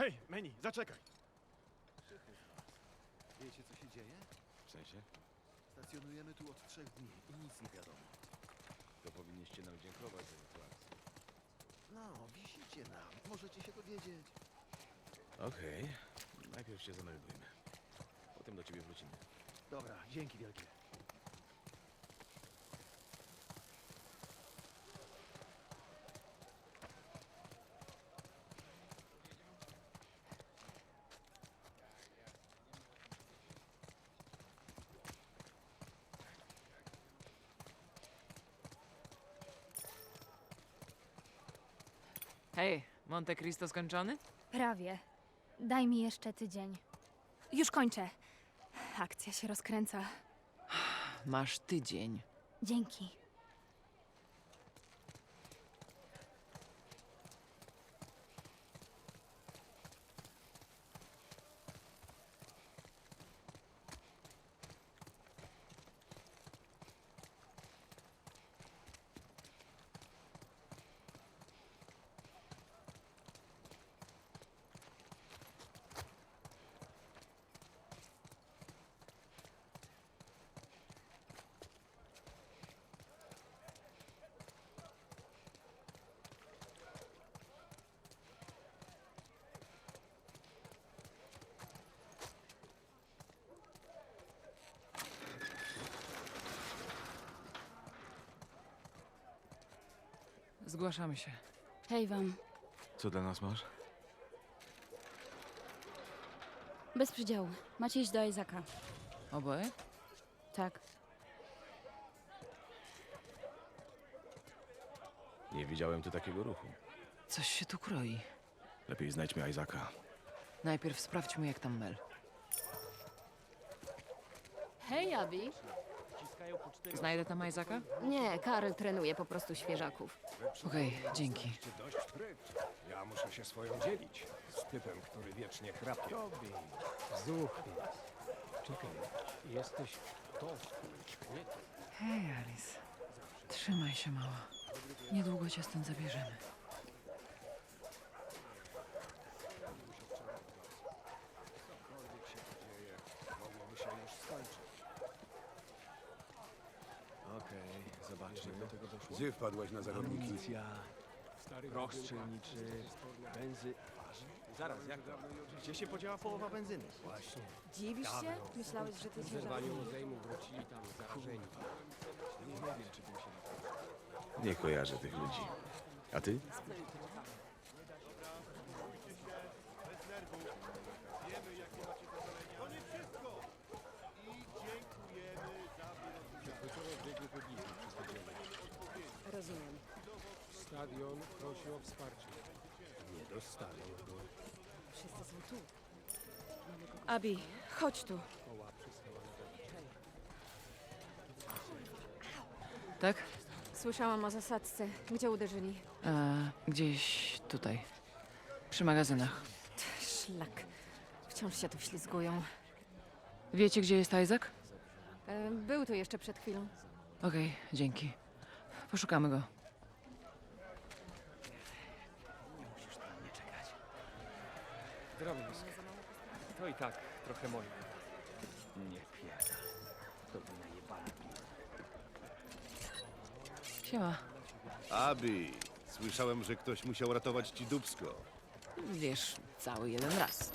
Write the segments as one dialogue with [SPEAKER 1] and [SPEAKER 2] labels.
[SPEAKER 1] Hej, Manny, zaczekaj.
[SPEAKER 2] Wiecie, co się dzieje?
[SPEAKER 3] W sensie?
[SPEAKER 2] Stacjonujemy tu od 3 dni i nic nie wiadomo.
[SPEAKER 3] To powinniście nam dziękować za sytuację.
[SPEAKER 2] No, wisicie nam. Możecie się dowiedzieć.
[SPEAKER 3] Okej. Najpierw się zameldujmy. Potem do ciebie wrócimy.
[SPEAKER 2] Dobra, dzięki wielkie.
[SPEAKER 4] Hej, Monte Cristo skończony?
[SPEAKER 5] Prawie. Daj mi jeszcze tydzień. Już kończę. Akcja się rozkręca.
[SPEAKER 4] Masz tydzień.
[SPEAKER 5] Dzięki.
[SPEAKER 4] Zgłaszamy się.
[SPEAKER 5] Hej wam.
[SPEAKER 3] Co dla nas masz?
[SPEAKER 5] Bez przydziału. Macie iść do Izaka.
[SPEAKER 4] Oboje?
[SPEAKER 5] Tak.
[SPEAKER 3] Nie widziałem tu takiego ruchu.
[SPEAKER 4] Coś się tu kroi.
[SPEAKER 3] Lepiej znajdźmy Isaaca.
[SPEAKER 4] Najpierw sprawdźmy, jak tam Mel.
[SPEAKER 6] Hej, Abi.
[SPEAKER 4] Znajdę tam Isaaca?
[SPEAKER 6] Nie, Karl trenuje po prostu świeżaków.
[SPEAKER 4] Okej, dzięki.
[SPEAKER 7] Dość fryt. Ja muszę się swoją dzielić z typem, który wiecznie chrapie.
[SPEAKER 8] Zuchnie. Czekaj, jesteś to, nie to.
[SPEAKER 4] Hej, Alice. Trzymaj się, mała. Niedługo cię stąd zabierzemy.
[SPEAKER 7] Mogłoby się już skończyć.
[SPEAKER 2] Okej, zobaczmy.
[SPEAKER 7] Gdzie wpadłaś na zarodniki?
[SPEAKER 8] Amunicja, proch strzelniczy, benzy...
[SPEAKER 1] Zaraz, jak to? Gdzie się podziała połowa benzyny?
[SPEAKER 8] Właśnie.
[SPEAKER 6] Dziwisz się? Myślałeś, że ty
[SPEAKER 8] W zerwaniu rozejmu wrócili tam zarażeni.
[SPEAKER 3] Nie kojarzę tych ludzi. A ty?
[SPEAKER 6] Rozumiem.
[SPEAKER 8] Stadion prosi o wsparcie. Nie dostaną go.
[SPEAKER 6] Wszyscy są tu.
[SPEAKER 5] Abi, chodź tu.
[SPEAKER 8] Koła przystała na
[SPEAKER 4] Tak?
[SPEAKER 6] Słyszałam o zasadzce. Gdzie uderzyli?
[SPEAKER 4] Gdzieś tutaj. Przy magazynach.
[SPEAKER 6] Szlak. Wciąż się tu ślizgują.
[SPEAKER 4] Wiecie, gdzie jest Isaac?
[SPEAKER 6] Był tu jeszcze przed chwilą.
[SPEAKER 4] Okej, dzięki. Poszukamy go.
[SPEAKER 8] Zdrowisk. To i tak trochę moje. Nie pierdol. To by najebane.
[SPEAKER 4] Siema.
[SPEAKER 9] Abi, słyszałem, że ktoś musiał ratować ci dupsko.
[SPEAKER 4] Wiesz, cały jeden raz.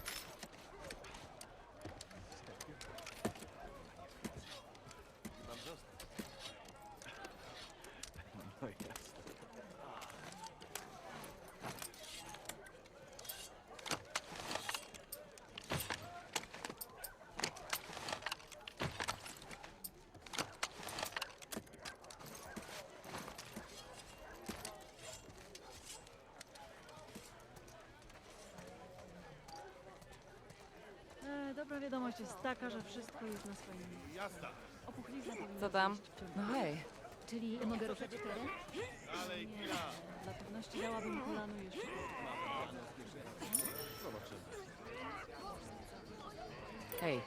[SPEAKER 10] Dobra wiadomość jest taka, że wszystko jest na swoim miejscu.
[SPEAKER 1] Jasna.
[SPEAKER 10] Opuchlizna powinna
[SPEAKER 6] Co tam?
[SPEAKER 10] zejść w ciągu.
[SPEAKER 4] No hej.
[SPEAKER 10] Czyli mogę ruszać teren? Nie, dla pewności dałabym planu jeszcze.
[SPEAKER 4] Hej.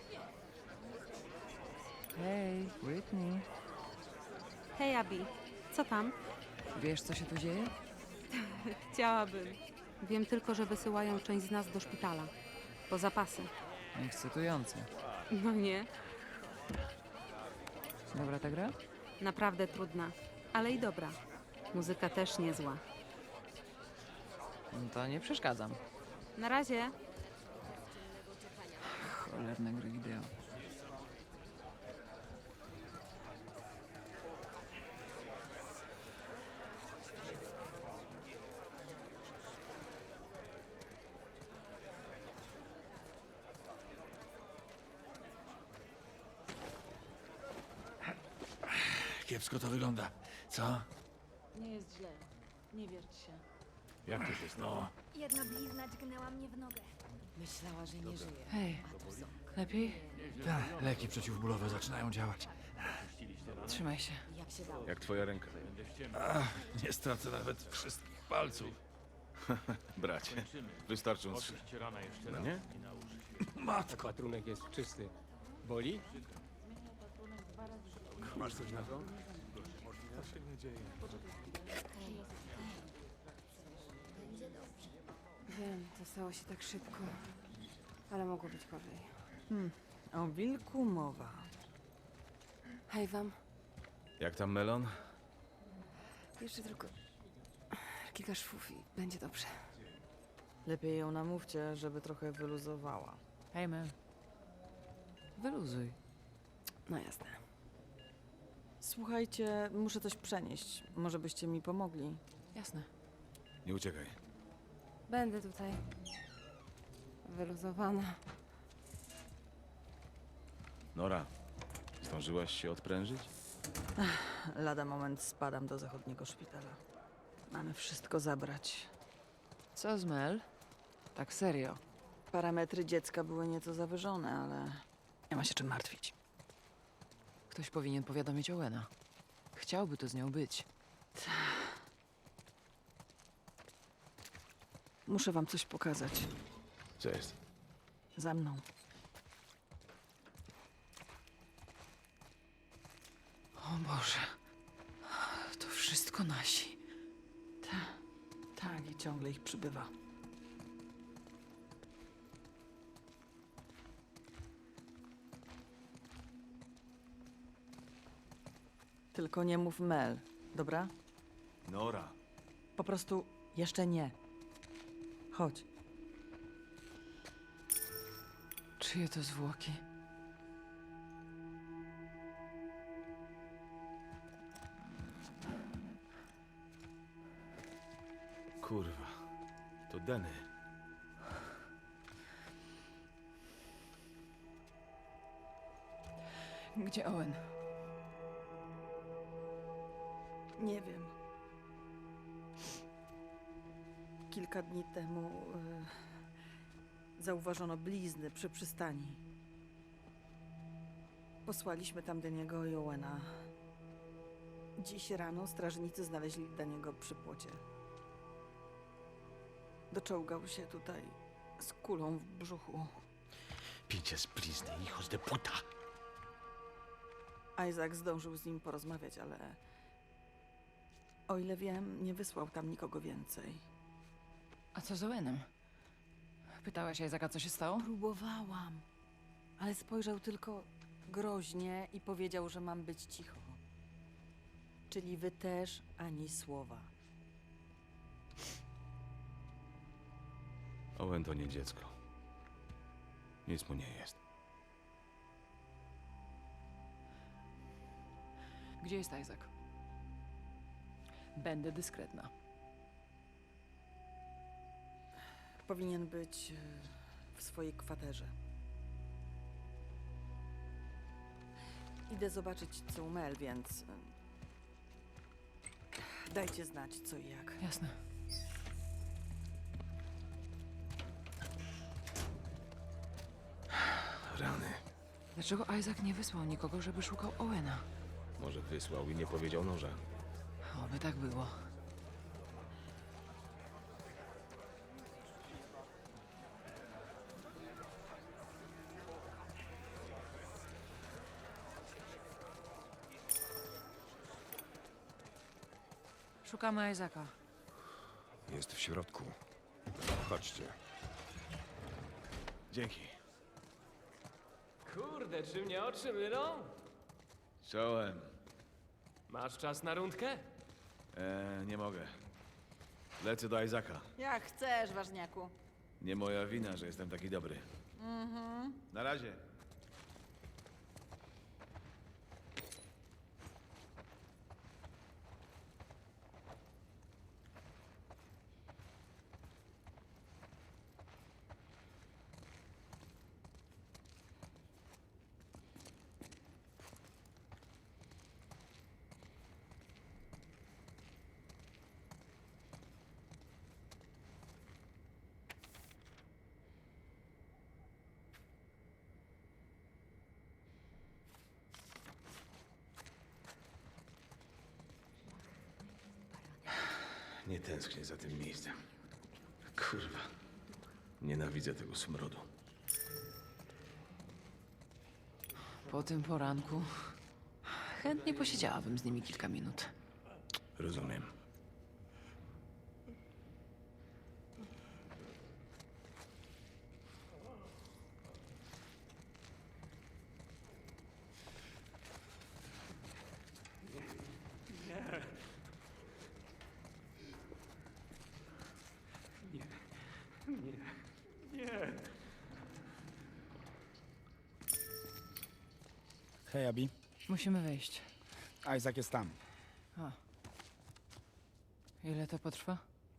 [SPEAKER 4] Hej, Britney.
[SPEAKER 5] Hej, Abi. Co tam?
[SPEAKER 4] Wiesz, co się tu dzieje?
[SPEAKER 5] Chciałabym.
[SPEAKER 11] Wiem tylko, że wysyłają część z nas do szpitala. Po zapasy.
[SPEAKER 4] Ekscytujące.
[SPEAKER 11] No nie,
[SPEAKER 4] Dobra ta gra?
[SPEAKER 11] naprawdę trudna, ale i dobra. Muzyka też niezła.
[SPEAKER 4] No to nie przeszkadzam.
[SPEAKER 11] Na razie.
[SPEAKER 4] Cholerne gry wideo.
[SPEAKER 3] Kiepsko to wygląda. Co?
[SPEAKER 10] Nie jest źle. Nie wierć się.
[SPEAKER 3] Jak to się stało?
[SPEAKER 5] Jedna blizna dźgnęła mnie w nogę.
[SPEAKER 6] Myślała, że nie żyje.
[SPEAKER 4] Hej, lepiej?
[SPEAKER 3] Tak, leki przeciwbólowe zaczynają działać.
[SPEAKER 4] Trzymaj się.
[SPEAKER 6] Jak się dało?
[SPEAKER 3] Jak twoja ręka? Nie stracę nawet wszystkich palców. Bracie, wystarczą 3. No nie?
[SPEAKER 7] Matko! Patrunek jest czysty. Boli?
[SPEAKER 3] Masz coś na to?
[SPEAKER 6] Wiem, to stało się tak szybko. Ale mogło być gorzej.
[SPEAKER 4] O wilku mowa.
[SPEAKER 6] Hej wam.
[SPEAKER 3] Jak tam melon?
[SPEAKER 6] Jeszcze tylko kilka szwów i będzie dobrze.
[SPEAKER 4] Lepiej ją namówcie, żeby trochę wyluzowała. Hej, Mel. Wyluzuj.
[SPEAKER 6] No jasne.
[SPEAKER 4] Słuchajcie, muszę coś przenieść. Może byście mi pomogli?
[SPEAKER 6] Jasne.
[SPEAKER 3] Nie uciekaj.
[SPEAKER 6] Będę tutaj. Wyluzowana.
[SPEAKER 3] Nora, zdążyłaś się odprężyć?
[SPEAKER 4] Lada moment spadam do zachodniego szpitala. Mamy wszystko zabrać. Co z Mel? Tak serio. Parametry dziecka były nieco zawyżone, ale nie ma się czym martwić. Ktoś powinien powiadomić Owena. Chciałby to z nią być. Muszę wam coś pokazać.
[SPEAKER 3] Co jest?
[SPEAKER 4] Za mną. O Boże. To wszystko nasi. Tak, i ciągle ich przybywa. Tylko nie mów Mel, dobra?
[SPEAKER 3] Nora.
[SPEAKER 4] Po prostu jeszcze nie. Chodź. Czyje to zwłoki?
[SPEAKER 3] Kurwa. To Denny.
[SPEAKER 4] Gdzie Owen? Nie wiem. Kilka dni temu zauważono blizny przy przystani. Posłaliśmy tam Deniego i Owena. Dziś rano strażnicy znaleźli Deniego przy płocie. Doczołgał się tutaj z kulą w brzuchu.
[SPEAKER 3] Pinches blizny, hijos de puta.
[SPEAKER 4] Isaac zdążył z nim porozmawiać, ale o ile wiem, nie wysłał tam nikogo więcej.
[SPEAKER 6] A co z Owenem? Pytałaś Isaaca, co się stało?
[SPEAKER 4] Próbowałam, ale spojrzał tylko groźnie i powiedział, że mam być cicho. Czyli wy też ani słowa.
[SPEAKER 3] Owen to nie dziecko. Nic mu nie jest.
[SPEAKER 6] Gdzie jest Isaac? Będę dyskretna.
[SPEAKER 4] Powinien być w swojej kwaterze. Idę zobaczyć, co u Mel, więc dajcie znać, co i jak.
[SPEAKER 6] Jasne.
[SPEAKER 3] Rany.
[SPEAKER 6] Dlaczego Isaac nie wysłał nikogo, żeby szukał Owena?
[SPEAKER 3] Może wysłał i nie powiedział noża.
[SPEAKER 6] Oby tak było. Szukamy Isaaca.
[SPEAKER 7] Jest w środku. Chodźcie.
[SPEAKER 3] Dzięki.
[SPEAKER 8] Kurde, czy mnie oczy mylą?
[SPEAKER 3] Czołem.
[SPEAKER 8] Masz czas na rundkę?
[SPEAKER 3] Nie mogę. Lecę do Isaaca.
[SPEAKER 4] Jak chcesz, ważniaku.
[SPEAKER 3] Nie moja wina, że jestem taki dobry. Na razie. Nie tęsknię za tym miejscem. Kurwa. Nienawidzę tego smrodu.
[SPEAKER 6] Po tym poranku chętnie posiedziałabym z nimi kilka minut.
[SPEAKER 3] Rozumiem.
[SPEAKER 12] Hej, Abi.
[SPEAKER 6] Musimy wyjść.
[SPEAKER 12] Isaac jest tam.
[SPEAKER 6] A. Ile to potrwa?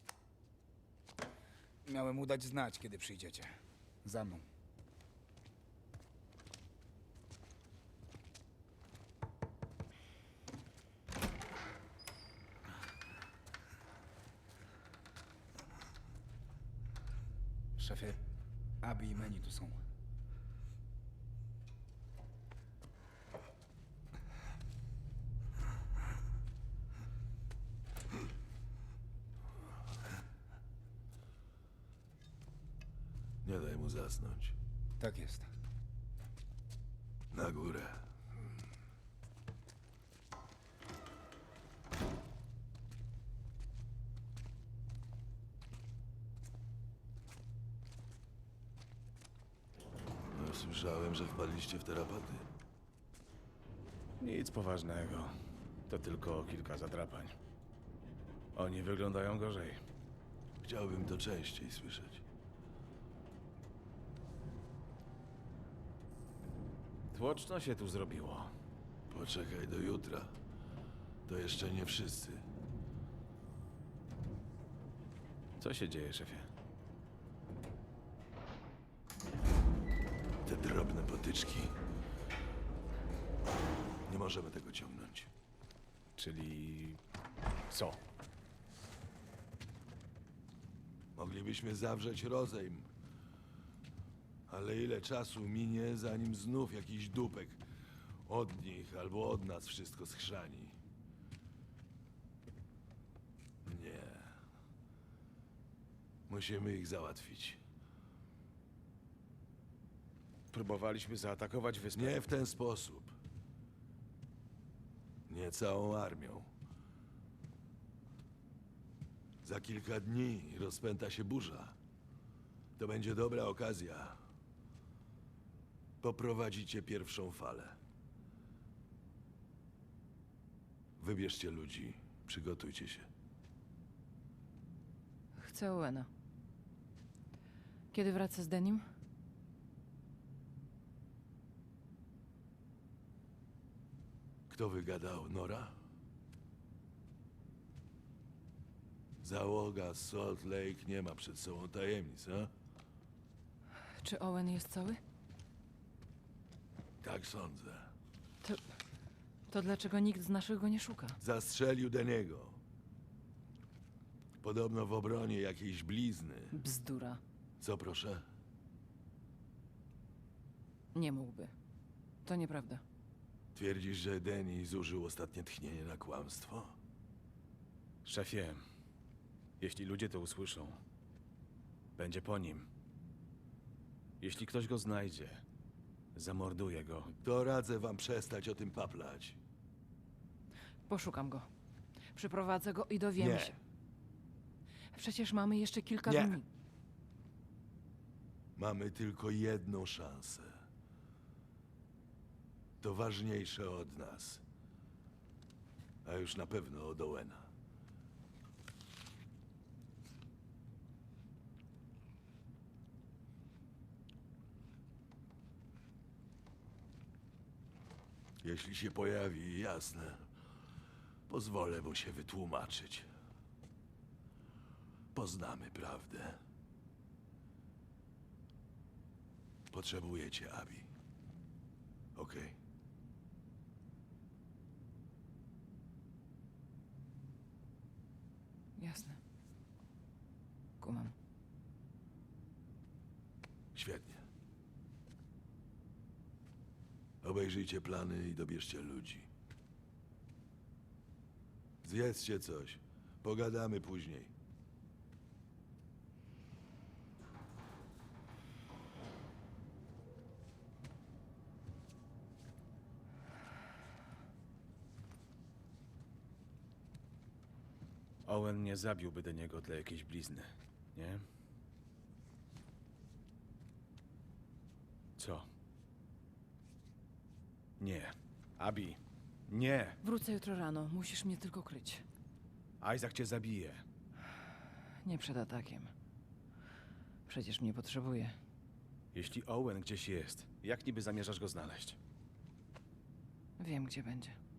[SPEAKER 12] Miałem mu dać znać, kiedy przyjdziecie. Za mną. Szefie, Abi i Manny tu są.
[SPEAKER 9] Nie daj mu zasnąć.
[SPEAKER 12] Tak jest.
[SPEAKER 9] Na górę. No, słyszałem, że wpadliście w tarapaty.
[SPEAKER 3] Nic poważnego. To tylko kilka zadrapań. Oni wyglądają gorzej.
[SPEAKER 9] Chciałbym to częściej słyszeć.
[SPEAKER 3] Tłoczno się tu zrobiło.
[SPEAKER 9] Poczekaj do jutra. To jeszcze nie wszyscy.
[SPEAKER 3] Co się dzieje, szefie?
[SPEAKER 9] Te drobne potyczki. Nie możemy tego ciągnąć.
[SPEAKER 3] Czyli... co?
[SPEAKER 9] Moglibyśmy zawrzeć rozejm. Ale ile czasu minie, zanim znów jakiś dupek od nich albo od nas wszystko schrzani? Nie. Musimy ich załatwić.
[SPEAKER 3] Próbowaliśmy zaatakować wyspę.
[SPEAKER 9] Nie w ten sposób. Nie całą armią. Za kilka dni rozpęta się burza. To będzie dobra okazja. Poprowadzicie pierwszą falę. Wybierzcie ludzi. Przygotujcie się.
[SPEAKER 6] Chcę Owena. Kiedy wraca z Denim?
[SPEAKER 9] Kto wygadał? Nora? Załoga z Salt Lake nie ma przed sobą tajemnic, a?
[SPEAKER 6] Czy Owen jest cały?
[SPEAKER 9] Tak sądzę.
[SPEAKER 6] To dlaczego nikt z naszych go nie szuka?
[SPEAKER 9] Zastrzelił Deniego. Podobno w obronie jakiejś blizny.
[SPEAKER 6] Bzdura.
[SPEAKER 9] Co proszę?
[SPEAKER 6] Nie mógłby. To nieprawda.
[SPEAKER 9] Twierdzisz, że Denny zużył ostatnie tchnienie na kłamstwo?
[SPEAKER 3] Szefie, jeśli ludzie to usłyszą, będzie po nim. Jeśli ktoś go znajdzie, zamorduje go.
[SPEAKER 9] To radzę wam przestać o tym paplać.
[SPEAKER 6] Poszukam go. Przyprowadzę go i dowiemy
[SPEAKER 9] Nie.
[SPEAKER 6] się. Przecież mamy jeszcze kilka
[SPEAKER 9] Nie.
[SPEAKER 6] dni.
[SPEAKER 9] Mamy tylko jedną szansę. To ważniejsze od nas. A już na pewno od Owena. Jeśli się pojawi, jasne. Pozwolę mu się wytłumaczyć. Poznamy prawdę. Potrzebujecie Abi. Okej?
[SPEAKER 6] Jasne. Kumam.
[SPEAKER 9] Świetnie. Obejrzyjcie plany i dobierzcie ludzi. Zjedzcie coś. Pogadamy później.
[SPEAKER 3] Owen nie zabiłby do niego dla jakiejś blizny, nie? Co? Nie. Abi, nie!
[SPEAKER 6] Wrócę jutro rano. Musisz mnie tylko kryć.
[SPEAKER 3] Isaac cię zabije.
[SPEAKER 6] Nie przed atakiem. Przecież mnie potrzebuje.
[SPEAKER 3] Jeśli Owen gdzieś jest, jak niby zamierzasz go znaleźć?
[SPEAKER 6] Wiem, gdzie będzie.